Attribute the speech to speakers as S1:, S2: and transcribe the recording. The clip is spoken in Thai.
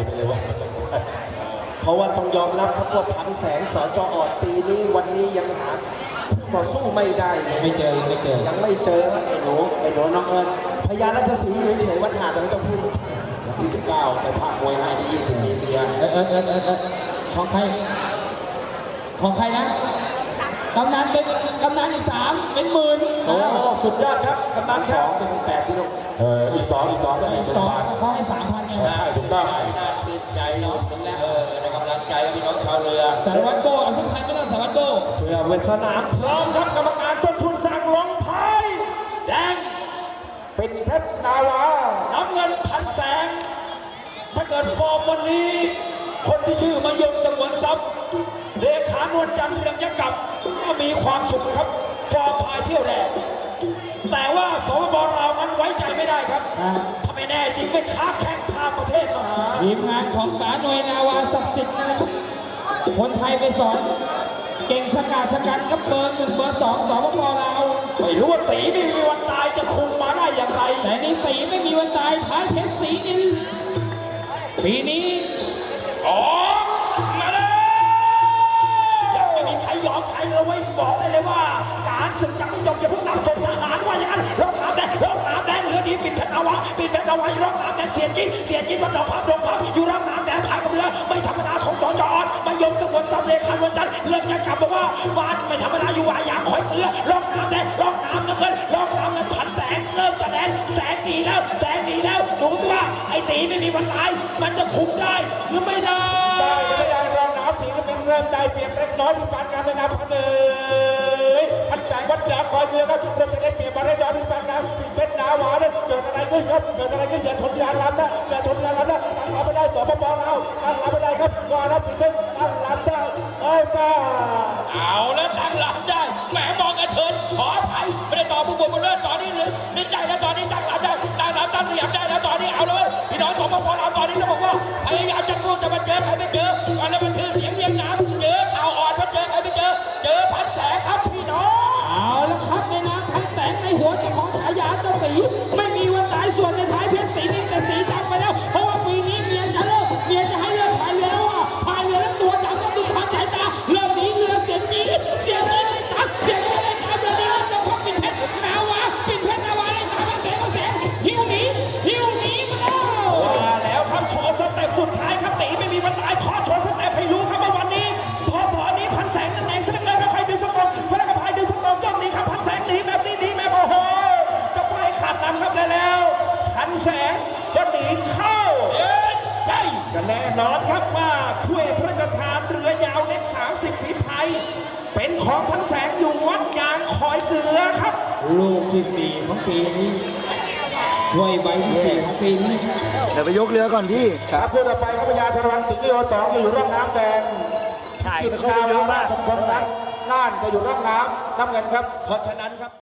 S1: ไปเลยว่า
S2: เพราะว่าต้องยอมรับครับว่าพันแสงสจอ.ปีนี้วันนี้ยังหาคู่ต่อสู้ไม่ได้เลย
S3: ไม่เจอยังไม่เจอ
S1: ไอ้หนูน้องเอิญ
S2: พญาราชสีห์เฉยๆวัดหาดไม่ต้องพูด
S1: ที่19ไปภาคมวยให้ได้20 ปีเดียว
S3: ของใครนะกำนันอีก3เป็นหมื่น
S2: โอ้สุดยอดครับกำนันครับ
S1: 2เป็น8ที่ลูกอีก2ก็เป็น
S3: 2เขาให้ 3,000ไง
S1: ใช่ถูกต้อง
S4: น่าชื่นใจเนาะในกำลังใจพี่น้องชาวเรือ
S3: สารวัตรโบเอาสักพันก็ได้สารวัตรโบ
S2: เพื่อเวสนามพร้อมครับกรรมการต้นทุนสั่งลงพายแดง
S1: เป็นเพชรนาวา
S2: น้ำเงินพันแสงถ้าเกิดฟอร์มวันนี้คนที่ชื่อมายงสงวนทรัพย์เลขานวลจันทร์เรืองยักษ์กับก็มีความสุขนะครับฟอร์มพายเที่ยวแรกแต่ว่าสปป.ลาวนั้นไว้ใจไม่ได้ครับถ้าไม่แน่จริงไม่ค้าแข่งข้ามประเทศมาหา
S3: ทีมงานของป๋าหน่วยนาวาศักดิ์สิทธิ์นะครับคนไทยไปสอนเก่งชะกาจชะกันกับเบอร์ 1 เบอร์ 2สปป.ลาว
S2: ไม่รู้ว่าตีไม่มีวันตายจะคุมมาได้อย่างไร
S3: แต่นี่ตีไม่มีวันตายท้ายเพชรศรีนินปีนี้
S2: ออกมาเลยยังไม่มีใครยอมใครเลยเว้ยบอกได้เลยว่าการศึกยังไม่จบอย่าเพิ่งนับจบทหารว่าอย่างนั้นรบน้ำแดงเรือดีปิดเพชรเอาไว้รบน้ำแดงเสียจีนมันดอกพับอยู่รบน้ำแดงพายกับเรือไม่ธรรมดาของสจ.อ.ไม่ยอมสงวนทรัพย์เลขานวลจันทร์เรื่องยังกลับบอกว่าบ้านไม่ธรรมดาอยู่วายางคอยเตือรบน้ำแดงรบน้ำเงินพันแสงเริ่มจะแดงแสงดีแล้วดูสิว่าไอ้ตีไม่มีวันตายมันจะคุมได้หรือไม่ได้
S1: รองน้ำสีก็เป็นเริ่มได้เปรียบเล็กน้อยที่ปานการในน้ำพันพันแสงวัดยาคอยเรือครับเริ่มจะได้เปรียบมาได้ย้อนที่ปานการปิดเพชรนาวาเนี่ยเกิดอะไรขึ้นครับอย่าทนยานลำนะตั้งรับไม่ได้สปป.ลาวตั้งรับไม่ได้ครับว่าแล้วปิดเพชรตั้งรับได้ป้า
S4: เอาแล้วตั้งรับได้แหมมองกันเถินขออภัยไม่ได้ต่อผู้บุกเลิศตอนนี้เลยนึกใจแล้วตอนนี้ตั้งรับได้ตั้งเหลี่ยมได้แล้วตอนนี้เอาเลยพี่น้องสปป.ลาวตอนนี้จะบอกว่าพยายามจะสู้แต่มันเจอใครไม่เจอแล้วมันคือเสียงเรียงน้ำเจอข่าวอ่อนมันเจอใครไม่เจอพันแสงครับพี่น้อง
S3: เอาแล้วครับในน้ำพันแสงในหัวเจ้าของฉายาเจ้าตีไม่มีวันตายส่วนในท้ายเพชรศรีนินแต่สีดำไปแล้วเพราะว่าปีนี้เมียจะให้เลิกพายเรือแล้วว่าพายเรือแล้วตัวดำต้องดูความสายตาเริ่มหนีเรือเสียจีนไม่ตัดเสียจีนไม่ตามเรือนี้จะพบปิดเพชรนาวาได้ตามพันแสงหิ้วหนีมา
S2: แล้วครับโชว์สเต็ปสุดท้ายครับตีไม่มีวันตายขอโชว์สเต็ปให้รู้ครับว่าวันนี้พอสอนนี้พันแสงนั่นเองแสดงเลยใครดึงสกองพนักงานพายดึงสกองจ้องนี้ครับพันแสงหนีแบบนี้หนีแบบโอ้โหจะไปขาดลำครับแล้วพันแสงก็หนีเข้าใช่ก็แน่นอนครับว่าช่วยพระราชทานเรือยาวเล็ก30 ฝีพายเป็นของพันแสงอยู่วัดยางคอยเกลือครับ
S3: ลูกที่4ของปีนี้ถ้วยใบที่4ของปีนี้
S1: เดี๋ยวไปยกเรือก่อนพี่ครับเพื่อต่อไปครับพญาชรวันสิงห์ที่2อยู่ร่องน้ำแดงกิจการราชมงคลนั้นน่านจะอยู่ร่องน้ำเงินครับ
S2: เพราะฉะนั้นครับ